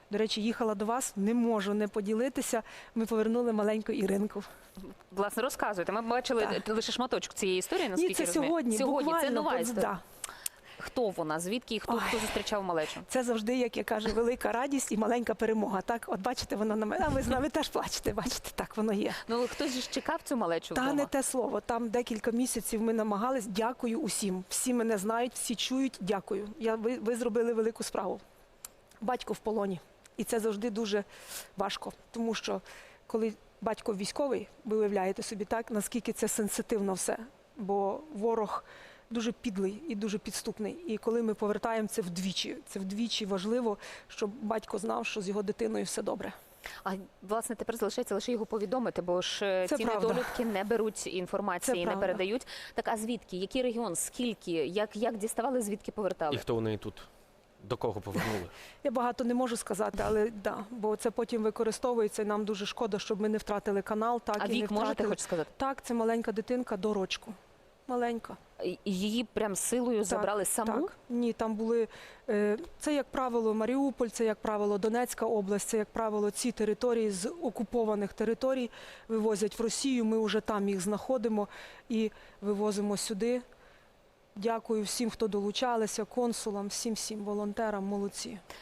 До речі, їхала до вас, не можу не поділитися. Ми повернули маленьку Іринку. Власне, розказуйте. Ми бачили лише шматочок цієї історії, Ні, наскільки це я розумію. сьогодні, Сьогодні, це буквально, нова історія. да. Хто вона, звідки і хто зустрічав малечу? Це завжди, як я кажу, велика радість і маленька перемога. Так, от бачите, вона на мене, а ви з нами теж плачете, бачите, так воно є. Ну, хтось ж чекав цю малечу Та вдома? не те слово, там декілька місяців ми намагались, дякую усім. Всі мене знають, всі чують, дякую. Ви зробили велику справу. Батько в полоні. І це завжди дуже важко, тому що коли батько військовий, ви уявляєте собі так, наскільки це сенситивно все, бо ворог дуже підлий і дуже підступний. І коли ми повертаємо це вдвічі важливо, щоб батько знав, що з його дитиною все добре. А, власне, тепер залишається лише його повідомити, бо ж Це ці правда. недолюдки не беруть інформації, Це не правда. передають. Так, а звідки? Який регіон? Скільки? Як діставали, звідки повертали? І хто у неї тут? До кого повернули? Я багато не можу сказати, але да, бо це потім використовується, і нам дуже шкода, щоб ми не втратили канал. Так, А і не вік можете втратили. хоч сказати? Так, це маленька дитинка до рочку. Маленька. І її прям силою забрали саму? Так. Ні, там були, це, як правило, Маріуполь, це, як правило, Донецька область, це, як правило, ці території з окупованих територій вивозять в Росію, ми вже там їх знаходимо і вивозимо сюди. Дякую всім, хто долучалися, консулам, всім волонтерам, молодці.